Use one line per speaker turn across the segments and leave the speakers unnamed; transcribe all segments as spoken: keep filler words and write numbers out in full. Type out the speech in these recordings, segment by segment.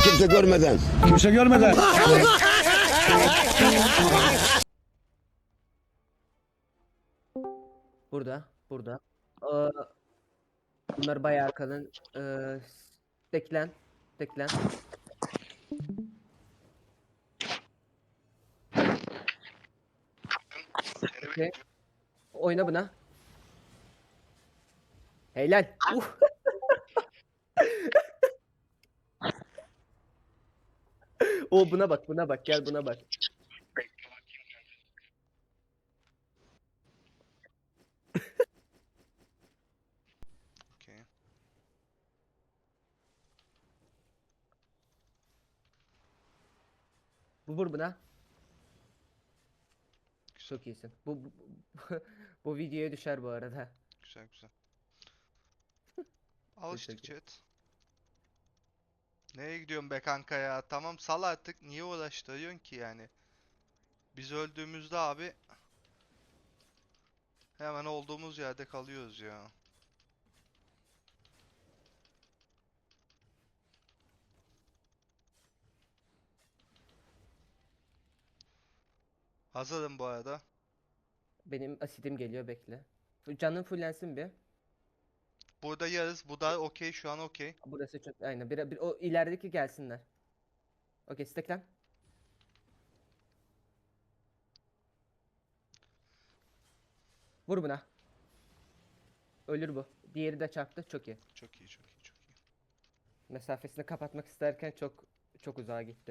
kimse görmeden.
Kimse görmeden.
Burada, burada. Aa, bunlar bayağı kalın. Ee, Steklen, steklen. Okey. Oyna buna. Helal. Uh. O buna bak, buna bak. Gel buna bak.
Okey.
Bu vur buna. Çok iyisin. Bu bu, bu, bu videoya düşer bu arada.
Güzel güzel. Alıştık
Teşekkür.
chat. Nereye gidiyorsun be kanka ya? Tamam sal artık. Niye uğraştırıyorsun ki yani? Biz öldüğümüzde abi hemen olduğumuz yerde kalıyoruz ya. Hazırım bu arada.
Benim asidim geliyor, bekle. Canın fullensin bir.
Burada yarız. Bu da okey. Şu an okey.
Burası çok aynen. Bir, bir, o ilerideki gelsinler. Okey, steklen. Vur buna. Ölür bu. Diğeri de çarptı. Çok iyi.
Çok iyi çok iyi çok iyi.
Mesafesini kapatmak isterken çok çok uzağa gitti.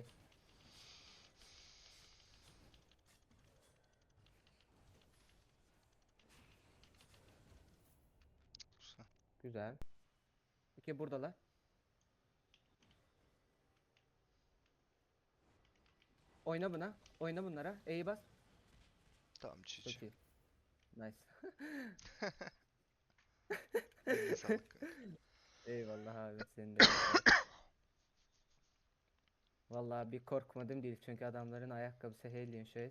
Güzel.
Güzel. Okey, buradalar. Oyna buna. Oyna bunlara. E'yi bas.
Tamam
Çok
çiçi.
iyi. Nice.
Eline sağlık kanka.
Eyvallah abi, senin de eline sağlık. Vallahi bir korkmadım değil çünkü adamların ayakkabısı Hellion Shoes.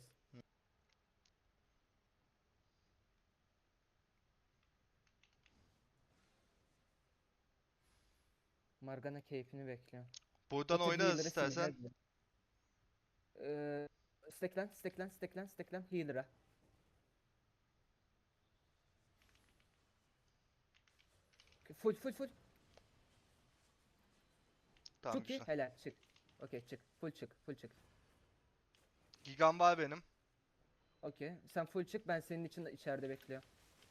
Morgana keyfini bekliyor.
Buradan
Otur,
oynarız
healer'ı sil,
istersen.
hadi. Ee, steklen, steklen, steklen, steklen, healer'a. Full, full, full.
Tamam
Çok iyi,
güzel.
helal, çık. Okey, çık, full çık, full çık.
Gigam var benim.
Okey, sen full çık, ben senin için de içeride bekliyorum.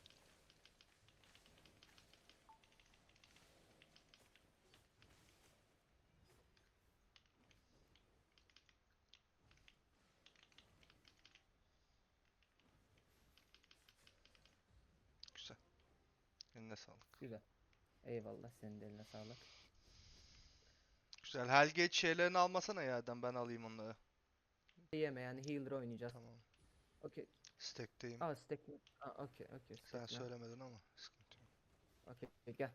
Güzel. Eline sağlık.
Güzel. Eyvallah, senin de eline sağlık.
Güzel. Helgate şeylerini almasana yerden, ben alayım onları.
Yeme yani, healer oynayacağız.
Tamam.
Okey.
Stack'teyim.
Aa, stek. Aa, okey, okey,
Sen
steklen.
söylemedin ama sıkıntı yok.
Okey, gel.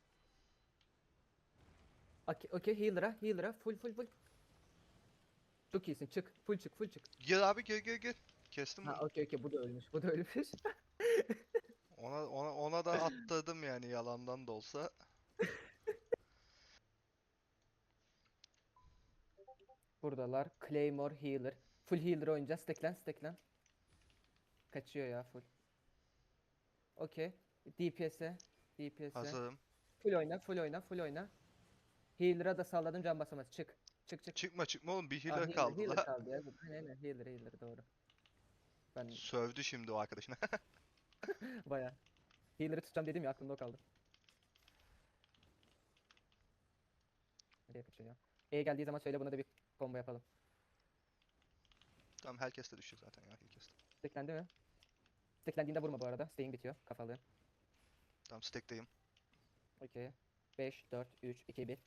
Okey, okey, healer'a, healer'a, full, full, full. Çok iyisin, çık, full çık, full çık.
Gir abi gir gir gir. Kestim
Ha,
bunu.
okey, okey, bu da ölmüş, bu da ölmüş.
Ona ona ona da attırdım yani, yalandan da olsa.
Buradalar. Claymore healer. Full healer oynayacağız. Steklen, steklen. Kaçıyor ya full. Okey. D P S'e. D P S'e.
Hazırım.
Full oyna, full oyna, full oyna. Healer'a da salladım, can basamaz. Çık. Çık çık.
Çıkma çıkma oğlum, bir
Aa,
healer
healer,
kaldı
healer
la.
kaldı ya. Aynen aynen, healer, healer doğru. Ben
Sövdü şimdi o arkadaşına.
baya. Healer'ı tutacağım dedim ya, aklımda o kaldı. Nereye kaçıyor ya? E geldiği zaman söyle, buna da bir combo yapalım.
Tamam, herkes de düşecek zaten ya, herkes de.
Steklendi mi? Steklendiğinde vurma bu arada. Stay'in bitiyor. Kafalı.
Tamam, stack'teyim.
Okey. beş, dört, üç, iki, bir.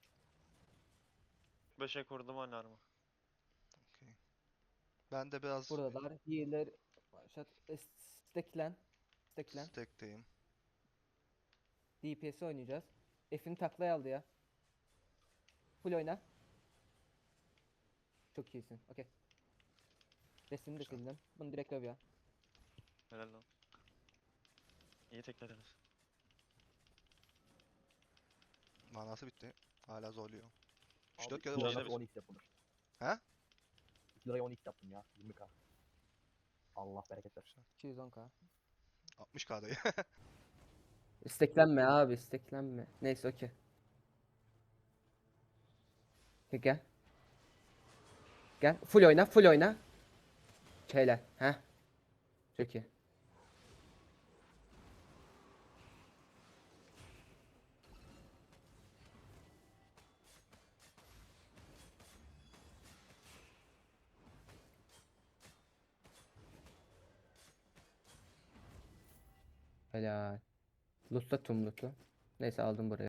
beşe kurdum alarmı.
Okey. Ben de biraz
Buradalar. Healer. Başlat. E, Steklen. Steklen.
stack'teyim.
D P S oynayacağız. F'ini taklaya aldı ya. Full oyna. Çok iyisin. Okey. Resmini de
Güzel.
sildim. Bunu direkt öv ya.
Helal lan. İyi teklediniz.
Manası bitti. Hala zorluyor. üç
Abi
dört kere
iki liraya
Yine
nasıl
biz-
on x yapılır?
He?
iki liraya on x yaptım ya. yirmi k. Allah bereket versin.
iki yüz on k.
altmış K'dayı.
İsteklenme abi, isteklenme. Neyse okey. Gel, Gel. Gel. Full oyna, full oyna. Helal. Heh. Çok iyi. Helal. Lut'ta tüm Lut'u. Neyse aldım burayı.